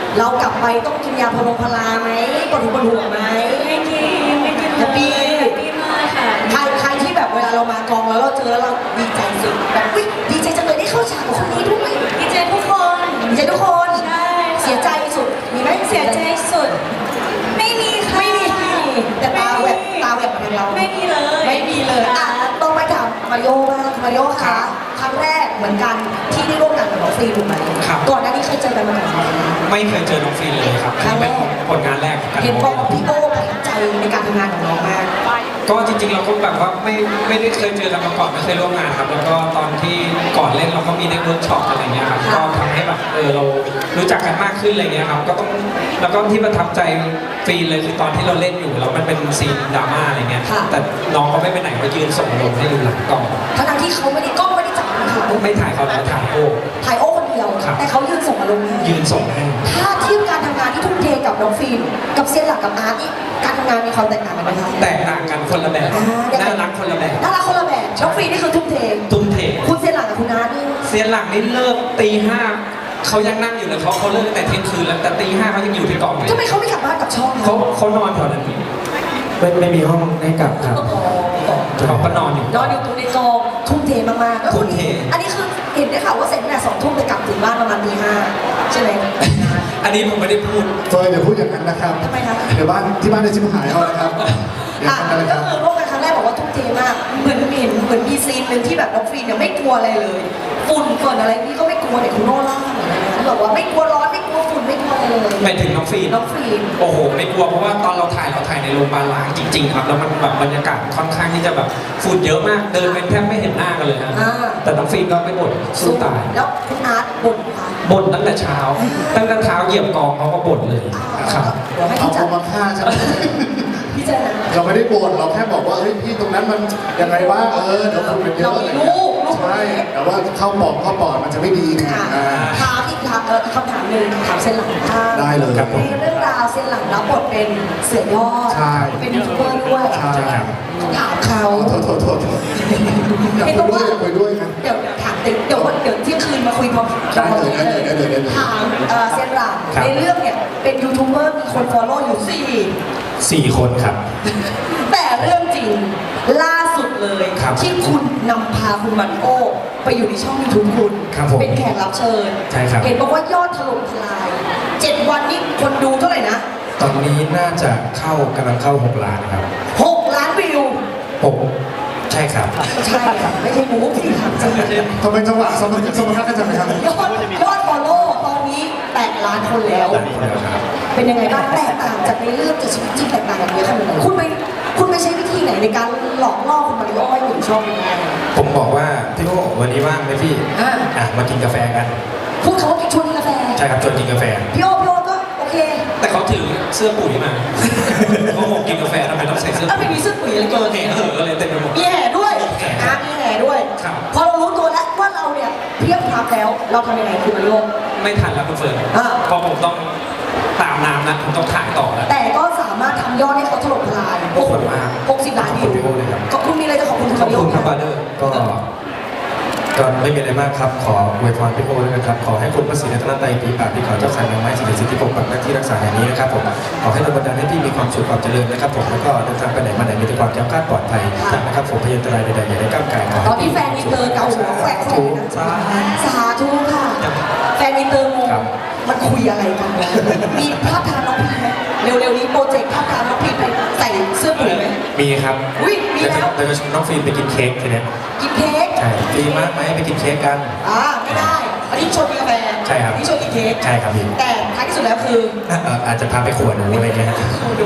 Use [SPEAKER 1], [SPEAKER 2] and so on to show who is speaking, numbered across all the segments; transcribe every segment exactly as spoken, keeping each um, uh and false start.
[SPEAKER 1] เรากลับไปต้องกินยาพาราพาราไหมปวดหัวปวดหัวไหม
[SPEAKER 2] ไม่กินไม่กินเลย
[SPEAKER 1] ปี
[SPEAKER 2] ปีมากค่ะ
[SPEAKER 1] ใครใครที่แบบเวลาเรามากองแล้วเราเจอแล้วเราดีใจสุดแบบวิดีใจจังเลยได้เข้าฉากกับคนนี้ด้วย
[SPEAKER 2] ดีใจทุกคน
[SPEAKER 1] ดีใจทุกคน
[SPEAKER 2] ใช่
[SPEAKER 1] เสียใจสุดมีไหม
[SPEAKER 2] เสียใจสุดไม่มีค่ะ
[SPEAKER 1] ไม่มีแต่ตาแหวกตาแหวกมาทางเรา
[SPEAKER 2] ไม่มีเลย
[SPEAKER 1] ไม่มีเลยอ่ะต้องไปถามมาริโอบ้างมาริโอค่ะครั้งแรกเหมือนกันที่ได้ร่วมงานกับน้องฟรีถูกไหมก่อนหน้านี้เคยเจอกันมาก่อนไหม
[SPEAKER 3] ไม่เคยเจอน้องฟรีเลยครับ
[SPEAKER 1] ครั้งแรก
[SPEAKER 3] ผลงานแรก
[SPEAKER 1] เห็นบอกว่าพี่โอ้ประทับใจในการทำงานของน้องมาก
[SPEAKER 3] ก็จริงๆเราก็แบบว่าไม่ไม่ได้เคยเจอกันมาก่อนไม่เคยร่วมงานครับแล้วก็ตอนที่ก่อนเล่นเราก็มีได้เวิร์กช็อปอะไรเงี้ยครับก็ทำให้แบบเออเรารู้จักกันมากขึ้นอะไรเงี้ยครับก็ต้องแล้วก็ที่ประทับใจฟรีเลยคือตอนที่เราเล่นอยู่แล้วมันเป็นซีนดราม่าอะไรเงี้ยแต่น้องก็ไม่ไปไหนก็ยืนส่งลมให้ดูหลังกล้อง
[SPEAKER 1] ทั้งที่เขาไม่ได้กล้องไม่ได้จับเขา
[SPEAKER 3] ไม่ถ่ายเขาแล้วถ่ายโอ้
[SPEAKER 1] ถ่ายโอ้คนเดียวแต่เขายืนส่งอารมณ์
[SPEAKER 3] ยืนส่งให้
[SPEAKER 1] ถ้าเทียบการทำงานที่ทุ่มเทกับน้องฟิล์มกับเซียนหลักกับอาร์ตนี่การทำงานมีความแตกต่างกันไหมคะ
[SPEAKER 3] แตกต่างกันคนละแบบน่ารักคนละแบบ
[SPEAKER 1] น่ารักคนละแบบน้องฟิล์มนี่คือทุ่มเท
[SPEAKER 3] ทุ่มเท
[SPEAKER 1] คุณเซียนหลักกับคุณอาร์ตนี่
[SPEAKER 3] เซียนหลักนี่เลิกตีห้าเขายังนั่งอยู่เลยเขาเขาเลิกแต่เที่ยงคืนแล้วแต่ตีห้าเขายังอยู่ที่กอง
[SPEAKER 1] ทำไมเขาไม่กลับบ้านกับช่อง
[SPEAKER 3] เขาเขานอนแถวนั้นไม่ไม่มีห้องให้กลับครับเขาก็นอนอยู่
[SPEAKER 1] นอนอยู่ตรงในกองทุ่มเทมากๆ
[SPEAKER 3] ทุ่มเท
[SPEAKER 1] อันนี้คือเห็นได้ข่าวว่าเสร็จเนี่ยสองทุ่มไปกลับถึงบ้านประมาณตีห้าใช่ไหม
[SPEAKER 3] อันนี้ผมไม่ได้พูด
[SPEAKER 4] เฟยอย่าพูดอย่างนั้นนะครับ
[SPEAKER 1] ทำไมครับ
[SPEAKER 4] เดี๋ยวบ้านที่บ้านจะชิบหายเอานะครับ
[SPEAKER 1] อ่ะก็คือร่วมกันครั้งแรกบอกว่าทุ่มเทมากเหมือนเห็นเหมือนมีซีนหนึ่งที่แบบน้องฟรีเนี่ยไม่กลัวอะไรเลยฝุ่นฝนอะไรนี่ก็ไม่กลัวแต่คุณโน่ล่าเหมือนกันบอกว่าไม่กลัวร้อนไม่กลัวฝุ่นไม่กลัวอะไรเลย
[SPEAKER 3] ไปถึงน้องฟรี
[SPEAKER 1] น้องฟรี
[SPEAKER 3] โอ้โหไม่กลัวเพราะว่าตอนเราถ่ายเราถ่ายในโรงพยาบาลล้างจริงๆครับแล้วมันแบบบรรยากาศค่อนข้างที่จะแบบฝุ่นเยอะมากเดินเป็นแทบไม่เห็นหน้ากันเลยฮะแต่น้องฟรีก็ไม่บ่นสู้ตาย
[SPEAKER 1] แล้วคุณอาร์ตบ่นค่ะ
[SPEAKER 3] บ่นตั้งแต่เช้าตั้งแต่เช้าเหยียบกองเขาก็บ่นเลยครับ
[SPEAKER 4] เอาเขามาฆ่าใช่ไหมเราไม่ได้บ่นเราแค่บอกว่าเฮ้ยพี่ตรงนั้นมันยังไงวะเออเดี๋ยวคุณเป็นเยอะเลยใช่แต่ว่าเข้าปอดเข้าปอดมันจะไม่ดีไง
[SPEAKER 1] ถามอีกถามเออคำถามหนึ่งถามเส้นหลังข้าง
[SPEAKER 4] ได้เลยครับ
[SPEAKER 1] ในเรื่องราวเส้นหลังรับบทเป็นเสือยอดเป็นยูทูบเบอร์ด้วย
[SPEAKER 4] ใช่ครับ
[SPEAKER 1] ถามเขา
[SPEAKER 4] โทษโทษโทษอยากคุยด้วยอยากคุยด้วยครับ
[SPEAKER 1] เดี๋ยวถามติดเดี๋ยวเดี๋ยวเที่ยงคืนมาคุยพร้อม
[SPEAKER 4] ได้เลยได้เลยได้เลยได้เลย
[SPEAKER 1] ถามเส้นหลังในเรื่องเนี่ยเป็นยูทูบเบอร์มีคนฟอลโล่อยู่สี่
[SPEAKER 3] สี่คนครับ
[SPEAKER 1] แต่เรื่องจริงล่าสุดเลยที่คุณนำพาคุณมาริโอไปอยู่ในช่องยูทูบคุณเป็นแขกรับเชิญเห็นบอกว่ายอดถล่มทลายเจ็ดวันนี้คนดูเท่าไหร่นะ
[SPEAKER 3] ตอนนี้น่าจะเข้ากำลังเข้าหกล้านครับ
[SPEAKER 1] หกล้านวิว
[SPEAKER 3] หกใช่ครับ
[SPEAKER 1] ใช่ครับไม่ใช่หมูที่ถามจริง
[SPEAKER 4] ทำไมจังหวะสมรรถสมรรถกันจังครับ
[SPEAKER 1] ยอดยอดฟอลโล่ตอนนี้แปดล้านคนแล้วเป็นยังไงบ้างแตกต่างจากในเรื่องจากชีวิตจริงแตกต่างกันเยอะขนาดไหนคุณไปคุณไปใช้วิธีไหนในการหลอกล่อคุณมาริโอให้อยู่ช่องนี้
[SPEAKER 3] ผมบอกว่าพี่โอ้วันนี้ว่างไหมพี่อ่ะมากินกาแฟกัน
[SPEAKER 1] พูดเขาว่าชวนกินกาแฟ
[SPEAKER 3] ใช่ครับชวนกินกาแฟ
[SPEAKER 1] พี่โอ้พี่โอ้ก็โอเค
[SPEAKER 3] แต่เขาถือเสื้อปุ๋ยมาเขาบอกกินกาแฟทำไมต้องใส่เสื้อ
[SPEAKER 1] ปุ๋ยไม่มีเสื้อปุ๋ยอะไรเกิน
[SPEAKER 3] แห่เอออะไรเต็มไปหมด
[SPEAKER 1] มีแห่ด้วยอ่ะมีแห่ด้วยพอเรารู้ตัวแล้วว่าเราเนี่ยเพียบพร้อมแล้วเราทำยังไงคุณมาริโอ
[SPEAKER 3] ไม่ทันแล้วคุณเฟิร์นเพราะผมต้องตามน้ำนะผมต้องถ่ายต่อแล้ว
[SPEAKER 1] แต่ก็สามารถทำยอดให้เขาถล่มทลาย
[SPEAKER 3] โอ้โหมาก
[SPEAKER 1] หกสิบล้านวิวขอบคุณมีอะไรจะขอบคุณ
[SPEAKER 3] ขอบคุณครับบาเดอร์ก็ก็ไม่มีอะไรมากครับขออวยพรพี่โอเลยนะครับขอให้คุณพระศรีรัตนตรัยปีปากปีขอเจ้าขันนางไม้สิริสิทธิปกปักหน้าที่รักษาแห่งนี้นะครับผมขอให้ดลบันดาลให้พี่มีความสุขความเจริญนะครับผมแล้วก็เดินทางไปไหนมาไหนมีแต่ความแข็งแกร่งปลอดภัยนะครับผมพยันตรายใดๆอย่าได้ก้าวไก่ขอ
[SPEAKER 1] ตอนนี้แฟนอินเตอร์เกาหัวแขวกแขวกสาธุค่ะแฟนอินเตอร์งงมันคุยอะไรกันมีภาพทางน้องพีไหมเร็วๆนี้โปรเจกต์ภาพทางน้องพีไปใส่เสื้อปุ๋ยไหม
[SPEAKER 3] มีครับ
[SPEAKER 1] อุ้ยมีแล้ว
[SPEAKER 3] แต่ก็น้องฟิล์มไปกินเค้กทีเนี้ย
[SPEAKER 1] กินเค้ก
[SPEAKER 3] ใช่ฟิล์มมากไหมไปกินเค้กกัน
[SPEAKER 1] อ่าไม่ได้อันนี้ชวนกินกาแฟ
[SPEAKER 3] ใช่ครับ
[SPEAKER 1] นี่ชวนกินเค้ก
[SPEAKER 3] ใช่ครับพี่
[SPEAKER 1] แต่ท้ายที่สุดแล้วคือ
[SPEAKER 3] อาจจะพาไปขวดหนูอะไรเงี้ย
[SPEAKER 1] ขวดหนู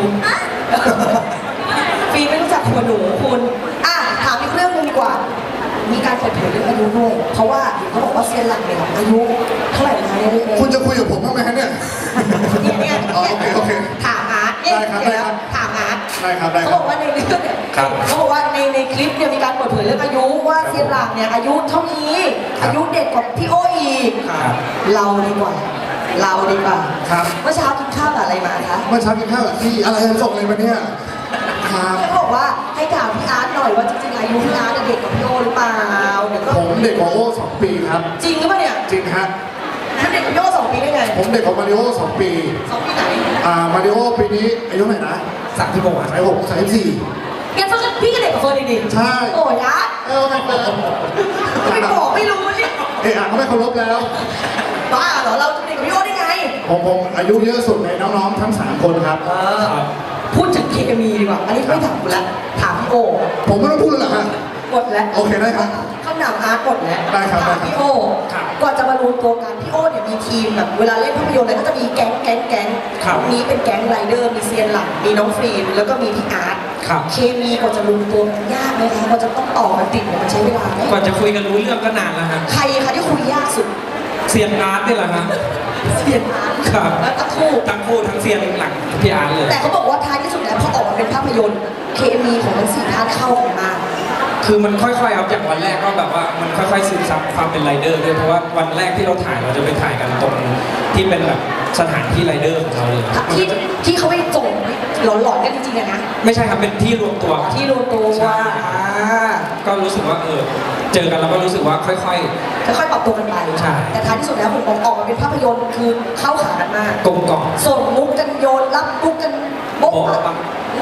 [SPEAKER 1] ฟิล์มไม่รู้จักขวดหนูคุณอ่ะถามอีกเรื่องนึงดีกว่ามีการเปิดเผยเรื่องอายุด้วยเพราะว่าเขาบอกว่าเซียนหลักเนี่ยอายุเท่าไหร่นะเนี่ย
[SPEAKER 4] คุณจะคุยกับผมบ้างไหมฮะเนี่ย
[SPEAKER 1] เนี่ย
[SPEAKER 4] โอเคโอเค
[SPEAKER 1] ถามอาร์ตเนี่ยเดี๋ยวถามอาร์ต
[SPEAKER 4] ได้ครับได้
[SPEAKER 1] เขาบอกว่าในเรื่องเนี่ยเขาบอกว่าในในคลิปเนี่ยมีการเปิดเผยเรื่องอายุว่าเซียนหลักเนี่ยอายุเท่านี้อายุเด็กกว่าพี่โออีกเราดีกว่าเราดีกว่าเมื่อเช้ากินข้าวกับอะไรมาคะ
[SPEAKER 4] เมื่อเช้ากินข้าวกับที่อะไรส่งอะไรมาเนี่ย
[SPEAKER 1] เขาบอกว่าให้ถามพี่อาร์ตหน่อยว่าจริงๆอายุพี่อาร์ตเด็กกว่าพี่โอหรือเปล่า
[SPEAKER 4] ผมเด็กกว่าโอสองปีครับ
[SPEAKER 1] จริงหรือเปล่าเนี่ย
[SPEAKER 4] จริงครับ
[SPEAKER 1] พเด็กกว่าพี่โอสองปีได้ไง
[SPEAKER 4] ผมเด็กกว่ามาริโอสองปี
[SPEAKER 1] สองปีไหน
[SPEAKER 4] อ่ามาริโอปีนี้อายุเท่าไหร่นะ
[SPEAKER 3] สามที่บอกอ่ะ
[SPEAKER 4] สายหกสายสี่
[SPEAKER 1] งั้นเฟิร์นพี่ก็เด็กกว่าเฟิร์นดีๆ
[SPEAKER 4] ใช่
[SPEAKER 1] โอ้ยนะ
[SPEAKER 4] เออไม่เป็น
[SPEAKER 1] ไม่บอกไม่รู้นี่
[SPEAKER 4] เอะอ่ะก็ไม่เคารพแล้ว
[SPEAKER 1] บ้าเหรอเราจะเด็กกว่าพี่โอได้ไง
[SPEAKER 4] ผมผมอายุเยอะสุดในน้องๆทั้งสามคนครับ
[SPEAKER 1] เออพูดถึงเคมีดีกว่า อันนี้ไม่ถามคุณละถามพี่โอ
[SPEAKER 4] ผมไม่ต้องพูดแล้วเหรอฮะ
[SPEAKER 1] กดแล้ว
[SPEAKER 4] โอเคได้ครับ
[SPEAKER 1] คำถามอาร์ตกดแล้ว
[SPEAKER 4] ได้ครับได้
[SPEAKER 1] ถาม
[SPEAKER 4] ครับ
[SPEAKER 1] พี่โอก่อนจะมารวมตัวกันพี่โอเนี่ยมีทีมแบบเวลาเล่นภาพยนตร์อะไรก็จะมีแก๊งแก๊งแก๊งนี้เป็นแก๊งไรเดอร์มีเซียนหลังมีน้องฟิล์มแล้วก็มีพี่อาร์ตเคมีกว่าจะรวมตัวกันยากไหมคะกว่าจะต้องต่อกันติดเนี่ยมันใช้เวลาไหม
[SPEAKER 3] กว่าจะคุยกันรู้เรื่องก็นานแล้วฮะ
[SPEAKER 1] ใครคะที่คุยยากสุด
[SPEAKER 3] เซียนอาร์ตนี่แหละฮะ
[SPEAKER 1] เซียนอาร์ต
[SPEAKER 3] ครับ
[SPEAKER 1] แล้วตะคู่
[SPEAKER 3] ทั้งคู่ทั้งเซียนหลังพี่อาร์ตเลย
[SPEAKER 1] แต่เขาบอกว่าท้ายที่สุดแล้วพอออกมาเป็นภาพยนตร์เคมีของทั้งสี่ท่านเข้ากันมาก
[SPEAKER 3] คือมันค่อยๆครับอย่างวันแรกก็แบบว่ามันค่อยๆซึมซับความเป็นไรเดอร์ด้วยเพราะว่าวันแรกที่เราถ่ายเราจะไปถ่ายกันตรงที่เป็นแบบสถานที่ไรเดอร์ของเราเลยมัน
[SPEAKER 1] ที่
[SPEAKER 3] ก็จะ
[SPEAKER 1] ที่เขาไปส่งหลอนๆกันจริงๆอะนะ
[SPEAKER 3] ไม่ใช่ครับเป็นที่รวมตัวครับ
[SPEAKER 1] ที่รวมตัว
[SPEAKER 3] ใช่
[SPEAKER 1] อ่า
[SPEAKER 3] ก็รู้สึกว่าเออเจอกันแล้วก็รู้สึกว่าค่อย
[SPEAKER 1] ค่อยๆปรับตัวกันไป
[SPEAKER 3] ใช่
[SPEAKER 1] แต่ท้ายที่สุดแล้วผมออกมาเป็นภาพยนตร์คือเข้าขากันมาก
[SPEAKER 3] ๆกลมกล่อม
[SPEAKER 1] ส่งมุกกันโยนรับมุกกันโบ๊ะ
[SPEAKER 3] โบ๊ะ
[SPEAKER 1] อะ
[SPEAKER 3] บะ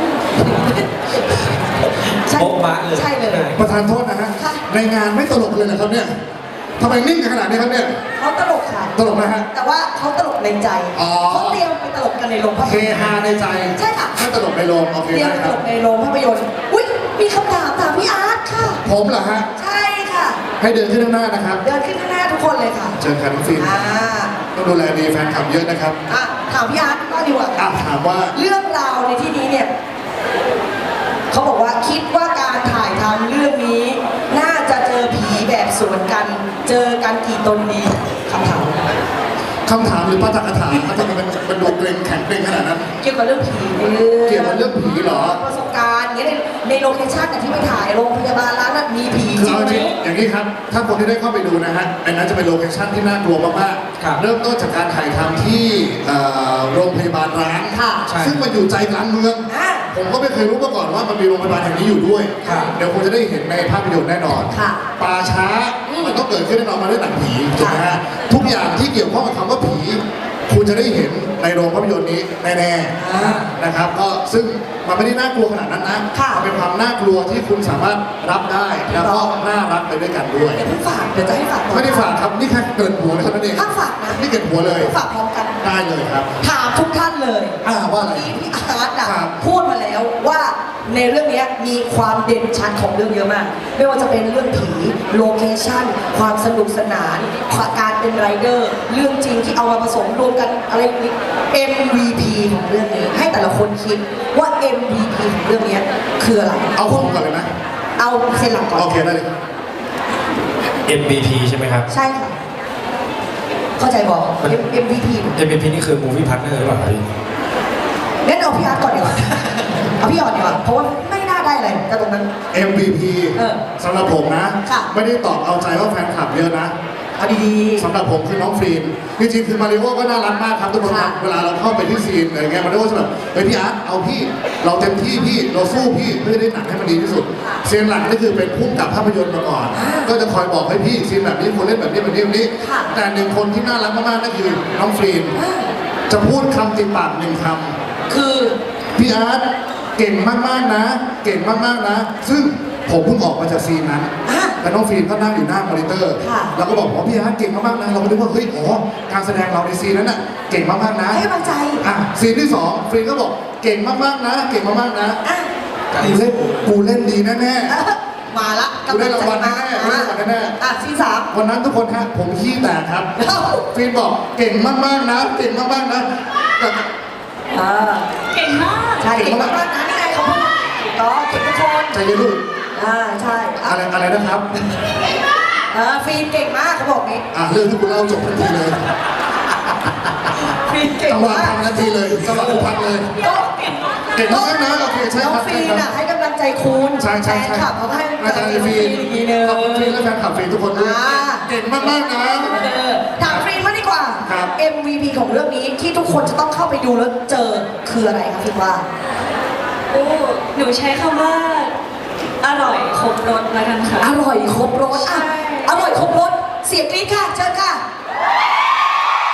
[SPEAKER 1] ใช่
[SPEAKER 3] โบ๊ะบะเลย
[SPEAKER 1] ใช่เลย
[SPEAKER 4] ประธานโทษนะฮะ
[SPEAKER 1] ค่ะ
[SPEAKER 4] ในงานไม่ตลกเลยนะครับเนี่ยทำไมนิ่งกันขนาดนี้ครับเนี่ย
[SPEAKER 1] เขาตลกค่ะ
[SPEAKER 4] ตลกนะฮะ
[SPEAKER 1] แต่ว่าเขาตลกในใจ
[SPEAKER 4] อ๋อ
[SPEAKER 1] เขาเตรียมไปตลกกันในโรงภาพ
[SPEAKER 4] เฮ
[SPEAKER 1] ยนตร์
[SPEAKER 4] ฮาในใจ
[SPEAKER 1] ใช่ค่ะ
[SPEAKER 4] ไม่ตลกในโรงโอเค
[SPEAKER 1] เตรียม
[SPEAKER 4] ได้
[SPEAKER 1] ไป
[SPEAKER 4] ค
[SPEAKER 1] ต
[SPEAKER 4] รับ
[SPEAKER 1] ลกในโรงภาพยนตร์อุ้ยมีคำถามถามพี่อาร์ตค่ะ
[SPEAKER 4] ผมเหรอฮะ
[SPEAKER 1] ใช่ค่ะ
[SPEAKER 4] ให้เดินขึ้นข้างหน้านะครับ
[SPEAKER 1] เดินขึ้นข้างหน้าทุกคนเลยค่ะ
[SPEAKER 4] เชิญครับน้องฟิล์ม
[SPEAKER 1] อ่า
[SPEAKER 4] ต้องดูแลดีแฟนคลับเยอะนะครับ
[SPEAKER 1] อ่ะถามพี่อาร์ตก็ดีกว่า
[SPEAKER 4] อ่ะถามว่า
[SPEAKER 1] เรื่องราวในที่นี้เนี่ยเขาบอกว่าคิดว่าการถ่ายทำเรื่องนี้ น่าจะเจอผีแบบสวนกัน เจอกันกี่ตนดีคำถาม
[SPEAKER 4] คำถามหรือปาฐกถาเขาจะเป็นเป็นดูเกรงแข็งเกรงขนาดนั้น
[SPEAKER 1] เกี่ยวกับเรื่องผีในเรื่อง
[SPEAKER 4] เกี่ยวกับเรื่องผีเหรอ
[SPEAKER 1] ประสบการณ์อย่างเงี้ยในในโลเคชั่นน่ะที่ไปถ่ายโรงพยาบาลร้านนั้นมีผีจ
[SPEAKER 4] คือ
[SPEAKER 1] ริง
[SPEAKER 4] เอา
[SPEAKER 1] ไหม
[SPEAKER 4] จริงอย่างนี้ครับ ถ้าคนที่ได้เข้าไปดูนะฮะอันนั้นจะเป็นโลเคชั่นที่น่ากลัวมาก
[SPEAKER 3] ครับ
[SPEAKER 4] ๆ เริ่มต้นจากการถ่ายทำที่เอ่อโรงพยาบาลร้าง
[SPEAKER 1] ค่ะ
[SPEAKER 3] ใช่
[SPEAKER 4] ซึ่งมันอยู่ใจกลางเมือง
[SPEAKER 1] อ่ะ
[SPEAKER 4] ผมก็ไม่เคยรู้มาก่อนว่ามันมีโรงพยาบาลแห่งนี้อยู่ด้วย
[SPEAKER 3] ครับ
[SPEAKER 4] เดี๋ยวคงจะได้เห็นในภาพยนตร์แน่นอน
[SPEAKER 1] ค่ะ
[SPEAKER 4] ป่าช้า
[SPEAKER 1] อืม
[SPEAKER 4] มันต้องเกิดขึ้นแน่นอนมาด้วยหนังผีถูกไหม
[SPEAKER 1] ค่ะ
[SPEAKER 4] ฮะ ทุกอย่างที่เกี่ยวข้องกับคำว่าผี คุณจะได้เห็นในโรงภาพยนตร์นี้แน่
[SPEAKER 1] อ่า
[SPEAKER 4] ๆนะครับ ก็ซึ่งมันไม่ได้น่ากลัวขนาดนั้นนะ
[SPEAKER 1] ค่ะ
[SPEAKER 4] มันเป็นความน่ากลัวที่คุณสามารถรับได้ แล้วก็น่ารักไปด้วยกันด้วย
[SPEAKER 1] เดี๋ยวเพิ่งฝากเดี๋ยวจะให้ฝาก
[SPEAKER 4] ไม่ได้ฝากครับ นี่แค่เกิดหัวเลยเท่านั้นเอง
[SPEAKER 1] ถ้าฝากนะ
[SPEAKER 4] นี่เกิดหัวเลย
[SPEAKER 1] ฝากพร้อมกัน
[SPEAKER 4] ได้เลยครับ
[SPEAKER 1] ถามทุกท่านเลย
[SPEAKER 4] อ่าว่าอะไร
[SPEAKER 1] ที่พี่อาร์ตอะ
[SPEAKER 4] ครับ
[SPEAKER 1] พูดมาแล้วว่าในเรื่องเนี้ยมีความเด่นชัดของเรื่องเยอะมาก ไม่ว่าจะเป็นเรื่องผีโลเคชั่น ความสนุกสนานการเป็นไรเดอร์ เรื่องจริงที่เอามาผสมรวมกันอะไรอย่างนี้ เอ็ม วี พี ของเรื่องนี้ ให้แต่ละคนคิดว่า เอ็ม วี พี ของเรื่องเนี้ยคืออะไร
[SPEAKER 4] เอาผมก่อนเลยไหม
[SPEAKER 1] เอาเซนหลังก่อน
[SPEAKER 4] โอเคได้เลย
[SPEAKER 3] เอ็ม วี พี ใช่ไหมครับ
[SPEAKER 1] ใช่ค่ะ เข้าใจบอก เอ็ม วี พี
[SPEAKER 3] เอ็ม วี พี นี่คือ movie partner หรือเปล่าครับพี่
[SPEAKER 1] งั้นเอาพี่อาร์ตก่อนดีกว่า เอาพี่อ่อนดีกว่า เพราะว่าไม่น่าได้อะไรกับตรงนั้น
[SPEAKER 4] เอ็ม วี พี
[SPEAKER 1] เออ
[SPEAKER 4] สำหรับผมนะ
[SPEAKER 1] ค่ะ
[SPEAKER 4] ไม่ได้ตอบเอาใจว่าแฟนคลับเยอะนะ
[SPEAKER 1] เอาดี
[SPEAKER 4] สำหรับผมคือน้องฟรีนจริงๆคือมาริโอก็น่ารักมากครับทุกคนครับ
[SPEAKER 1] ค่ะ
[SPEAKER 4] เวลาเราเข้าไปที่ซีนอะไรเงี้ยมาริโอจะแบบเฮ้ยพี่อาร์ตเอาพี่เราเต็มที่พี่เราสู้พี่เพื่อได้หนังให้มันดีที่สุดซีนหลังนี่คือเป็นผู้กำกับภาพยนตร์มาก่อน ก็จะคอยบอกให้พี่ซีนแบบนี้ควรเล่นแบบนี้แบบนี้แบบนี้
[SPEAKER 1] ค่ะ
[SPEAKER 4] แต่หนึ่งคนที่น่ารักมากๆนั่นคือน้องฟรีน
[SPEAKER 1] ๆอ่า
[SPEAKER 4] จะพูดคำติดปากหนึ่งค
[SPEAKER 1] คือ
[SPEAKER 4] ำพี่อาร์ตเก่งมากๆนะ เก่งมากๆนะ ซึ่งผมเพิ่งออกมาจากซีนนั้น
[SPEAKER 1] อ่ะ
[SPEAKER 4] แต่น้องฟิล์มก็นั่งอยู่หน้ามอนิเตอร์
[SPEAKER 1] ค่ะ
[SPEAKER 4] เราก็บอกว่าพี่อาร์ตเก่งมากๆนะ เราก็นึกว่าเฮ้ยอ๋อการแสดงเราในซีนนั้นน่ะเก่งมากๆนะ
[SPEAKER 1] ให้กำลังใจ
[SPEAKER 4] อ่ะซีนที่สองฟิล์มก็บอกเก่งมากๆนะ เก่งมากๆนะ
[SPEAKER 1] อ่ะ
[SPEAKER 4] กูเล่นกูเล่นดีแน่
[SPEAKER 1] เอ้อมาละ
[SPEAKER 4] ๆกูได้รางวัลแน่ๆกูได้รางวัลแน่
[SPEAKER 1] อ่ะซีสาม
[SPEAKER 4] ๆวันนั้นทุกคนฮะผมขี้แตกครับ
[SPEAKER 1] เอ้า
[SPEAKER 4] ฟิล์มบอกเก่งมากๆนะ เก่งมากๆนะแต่
[SPEAKER 1] อ่า
[SPEAKER 2] เก่งมาก
[SPEAKER 1] ใช่เก่งมากๆนะนี่ไงเขาพูดถูกต้องเก่งทุกคน
[SPEAKER 4] ใจเย็นลูก
[SPEAKER 1] อ่าใช่อ่ะ
[SPEAKER 4] อะไรอะไรนะครับ
[SPEAKER 1] เออฟิล์มเก่งมากเขาบอกนี้
[SPEAKER 4] อ่ะเรื่องที่คุณเล่าจบทันทีเลย
[SPEAKER 1] ฟิล์มเก่ง
[SPEAKER 4] จังหวะ
[SPEAKER 1] มาก
[SPEAKER 4] ทำทันทีเลยจังหวะอุพักเลย
[SPEAKER 1] ก็
[SPEAKER 4] เก่งมากนะโอเคใช่
[SPEAKER 1] น้อง
[SPEAKER 4] ครับ
[SPEAKER 1] ฟิ
[SPEAKER 4] ใช่
[SPEAKER 1] ล์ม
[SPEAKER 4] ครั
[SPEAKER 1] น่ะ
[SPEAKER 4] บ
[SPEAKER 1] ให้กำลังใจคุณ
[SPEAKER 4] ใช่ใช่
[SPEAKER 1] แฟน
[SPEAKER 4] ใช่
[SPEAKER 1] คลับเขาให้กำลัง
[SPEAKER 4] อา
[SPEAKER 1] ใจ
[SPEAKER 4] จารย์
[SPEAKER 1] น้อง
[SPEAKER 4] ฟี
[SPEAKER 1] ฟิล์
[SPEAKER 4] น
[SPEAKER 1] มอีกทีนึง
[SPEAKER 4] ขอบคุณฟีนและแฟนคลับฟีนทุกคนด้วย
[SPEAKER 1] อ่า
[SPEAKER 4] เก่งมากๆนะ
[SPEAKER 1] เออถามฟิล์มมางดีกว่า
[SPEAKER 4] ครับ
[SPEAKER 1] เอ็ม วี พี ของเรื่องนี้ที่ทุกคนจะต้องเข้าไปดูแล้วเจอคืออะไรคะฟิล์มว่า
[SPEAKER 2] โอ้ หนูใช้คำว่า อร่อยครบรสแล้วกันค่ะ
[SPEAKER 1] อร่อยครบรสอ่ะ
[SPEAKER 2] ใช่
[SPEAKER 1] อร่อยครบรสเสียงกรี๊ดค่ะเชิญค่ะ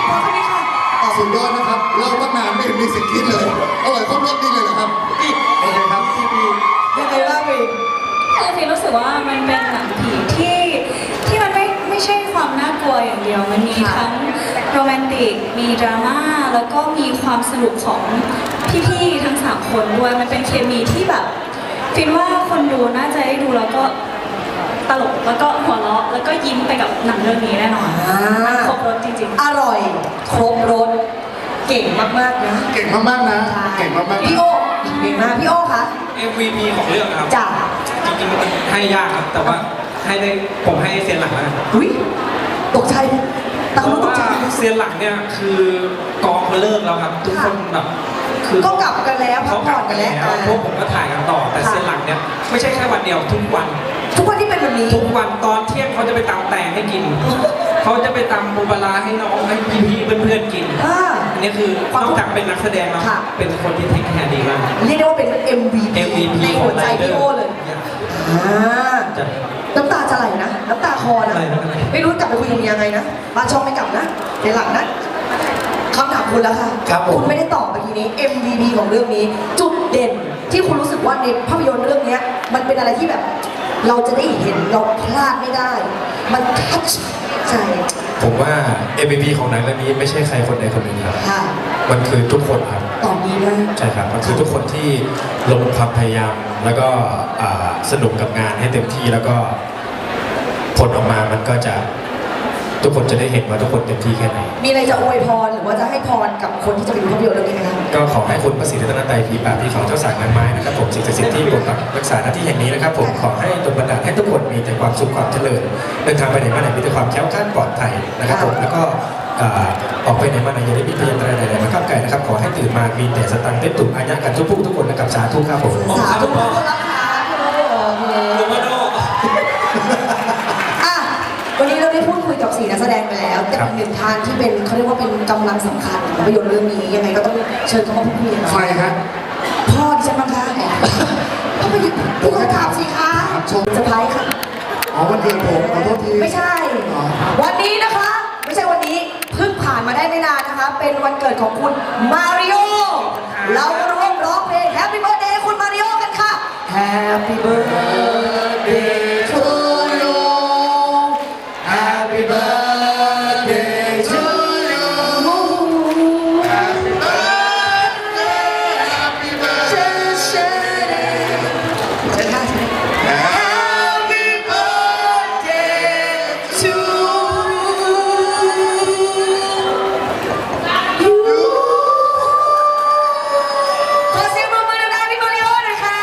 [SPEAKER 1] พอแค่นี้ค่ะอ๋อ
[SPEAKER 4] สุดยอดนะครับเล่าตั้งนานไม่เห็นมีเสิ่งคิดเลยอร่อยครบรสดีเลยเหรอครับโอเคครับพี่พี่
[SPEAKER 1] ยังไงบ้างวิน
[SPEAKER 2] คือฟิล์มรู้สึกว่ามันเป็นหนังผีที่ที่มันไม่ไม่ใช่ความน่ากลัวอย่างเดียว มันมีทั้งโรแมนติก มีดราม่า แล้วก็มีความสนุกของพี่ๆทั้งสามคนด้วย มันเป็นเคมีที่แบบฟิล์มว่าคนดูน่าจะได้ดูแล้วก็ตลก แล้วก็หัวเราะ แล้วก็ยิ้มไปกับหนังเรื่องนี้แน่นอน
[SPEAKER 1] อ่า
[SPEAKER 2] มันครบรสจริงๆ
[SPEAKER 1] อร่อย ครบรสเก่งมากๆนะ
[SPEAKER 4] เก่งมากๆนะเก่งมากๆ
[SPEAKER 1] พี่โอเก่งมากพี่โอคะ
[SPEAKER 3] เอ็ม วี พี ของเรื่องนะครับ
[SPEAKER 1] จ้ะ
[SPEAKER 3] จริงๆมันให้ยากครับ แต่ว่าให้ได้ผมให้เซียนหลังแล้วกัน
[SPEAKER 1] อุ้ยตกใจตะ
[SPEAKER 3] เพ
[SPEAKER 1] คุ
[SPEAKER 3] ราะ
[SPEAKER 1] ตก
[SPEAKER 3] ว่า
[SPEAKER 1] ใจ
[SPEAKER 3] เซียนหลังเนี่ยคือกองเขาเลิกแล้วครับ ทุกคนแบบคือ
[SPEAKER 1] ก็กลับกันแล้วพั
[SPEAKER 3] เขา
[SPEAKER 1] ก
[SPEAKER 3] ก
[SPEAKER 1] ผ่
[SPEAKER 3] ลั
[SPEAKER 1] อบ น
[SPEAKER 3] กั
[SPEAKER 1] กัน
[SPEAKER 3] น
[SPEAKER 1] แล้
[SPEAKER 3] แล้ว วพวกผมก็ถ่ายกันต่อ แต่เซียนหลังเนี่ยไม่ใช่แค่วันเดียวทุกวัน
[SPEAKER 1] ทุกวันที่เป็นแบบนี้
[SPEAKER 3] ทุกวันตอนเที่ยงเขาจะไปตำแตงให้กิน เขาจะไปตำปูปลาร้าให้น้องให้พี่ๆเพื่อนๆกิน
[SPEAKER 1] อ่า
[SPEAKER 3] อันนี้คือนอกจากเป็นนักแสดงแล้ว
[SPEAKER 1] ค่ะ
[SPEAKER 3] เป็นคนที่เทคแคร์ดีมาก
[SPEAKER 1] เรียกได้ว่าเป็น เอ็ม วี พี
[SPEAKER 3] เอ็ม วี พี
[SPEAKER 1] ใน
[SPEAKER 3] ขอ
[SPEAKER 1] หั
[SPEAKER 3] ง
[SPEAKER 1] วใจ
[SPEAKER 3] ไรเดอ
[SPEAKER 1] พี่
[SPEAKER 3] ร์
[SPEAKER 1] โอเลยอ่า
[SPEAKER 3] จะ
[SPEAKER 1] น้ำตาจะไหลนะ น้ำตาคอนะ
[SPEAKER 3] ไหลไม่เป็นไร
[SPEAKER 1] ไม่รู้กลับไปคุยกับเมียยังไงนะ บ้านช่องไม่กลับนะเดี๋ยวหลังนะคำถามคุณแล้วค่ะ
[SPEAKER 4] ครับผม
[SPEAKER 1] คุณไม่ได้ตอบเมื่อกี้นี้ เอ็ม วี พี ของเรื่องนี้ จุดเด่นที่คุณรู้สึกว่าในภาพยนตร์เรื่องเนี้ยมันเป็นอะไรที่แบบ เราจะได้เห็นเราพลาดไม่ได้ มันทัชใจ
[SPEAKER 5] ผมว่า เอ็ม วี พี ของหนังเรื่องนี้ไม่ใช่ใครคนใดคนหนึ่งครับ
[SPEAKER 1] ค่ะ
[SPEAKER 5] มันคือทุกคนครับ
[SPEAKER 1] ตอบนี้นะ
[SPEAKER 5] ใช่ครับ มันคือทุกคนที่ลงความพยายาม แล้วก็อ่าสนุกกับงานให้เต็มที่ แล้วก็ผลออกมา มันก็จะทุกคนจะได้เห็นว่าทุกคนเต็มที่แค่ไหน
[SPEAKER 1] มีอะไรจะอวยพรหรือว่าจะให้พรกับคนที่จะไปดูภาพยนตร์เรื่องนี้ไหมคะ
[SPEAKER 5] ก็ขอให้คุณพระศรีรัตนตรัยผีป่าบผีเขาเจ้าสางนางไม้นะครับผมสิ่งศักดิ์สิทธิ์ที่ปกปักรักษาหน้าที่แห่งนี้นะครับผมขอให้ดลบันดาลให้ทุกคนมีแต่ความสุขความเจริญเดินทางไปไหนมาไหนมีแต่ความแคล้วคลาดปลอดภัยนะครับผมแล้วก็อ่าออกไปไหนมาไหนอย่าได้มีพยันตรายใดๆมาข้ามไก่นะครับขอให้ตื่นมามีแต่สตังค์เต็มตุ่มอาญะกันทุกผู้ทุกคนนะครับสาธุครับผม
[SPEAKER 1] สาธุรับค่ะโอเค
[SPEAKER 3] โรมาโด
[SPEAKER 1] อ่ะวันนี้เราได้พูดคุยกับสี่นักแสดงไปแล้วแต่อีกหนึ่งท่านที่เป็นเขาเรียกว่าเป็นกำลังสำคัญของภาพยนตร์เรื่องนี้ยังไงก็ต้องเชิญเขามาพูดคุยกันหน่
[SPEAKER 4] ใคร
[SPEAKER 1] อย
[SPEAKER 4] ฮะ
[SPEAKER 1] พ่อดิฉันบ้างคะพ่อไปหยุดพูดคำถามสิคะ
[SPEAKER 4] ครับชม
[SPEAKER 1] เซอร์ไพรส์ค่ะ
[SPEAKER 4] อ๋อวันเกิดผมขอโทษที
[SPEAKER 1] ไม่ใช่
[SPEAKER 4] อ๋อ
[SPEAKER 1] วันนี้นะคะ ไม่ใช่วันนี้เพิ่งผ่านมาได้ไม่นานนะคะ เป็นวันเกิดของคุณมาริโอเรามาร่วมร้องเพลง Happy Birthday ให้คุณมาริโอกันค่ะ Happy Birthday to you
[SPEAKER 4] Happy birthday to you Happy birthday Happy birthday
[SPEAKER 1] เชิญเชิญค่ะเชิญ
[SPEAKER 4] Happy birthday
[SPEAKER 1] to you ขอเสียงปรบมือดังๆให้มาริโอหน่อยค่ะ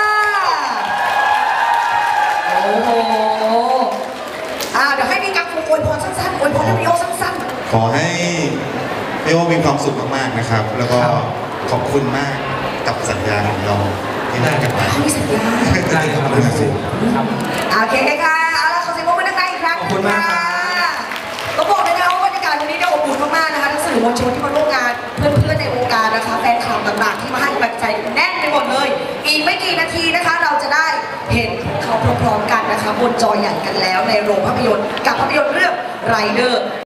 [SPEAKER 1] โอ้โห อ่าเดี๋ยวให้พี่กั๊กอวยพรสั้นๆอวยพรให้มาริโอสั้น
[SPEAKER 6] ขอให้พี่โอมีความสุขมากๆนะครับ แล้วก็ขอบคุณมากกับสัญญาของเราที่ได้กันมา
[SPEAKER 1] ๆเขามีสัญญา
[SPEAKER 3] ได้ครับครับ
[SPEAKER 1] โอเคค่ะเอาละขอเสียงปรบมือดังๆอีกครั้ง
[SPEAKER 3] ขอบคุณมากครับ
[SPEAKER 1] ก็บอกเลยนะว่าบรรยากาศวันนี้เนี่ยอบอุ่นมากๆนะคะทั้งสื่อมวลชนที่มาร่วมงานเพื่อนๆในวงการนะคะแฟนคลับต่างๆที่มาให้กำลังใจแน่นไปหมดเลย อีกไม่กี่นาทีนะคะ เราจะได้เห็นเขาพร้อมๆกันนะคะบนจอใหญ่กันแล้วในโรงภาพยนตร์กับภาพยนตร์เรื่องไรเดอร์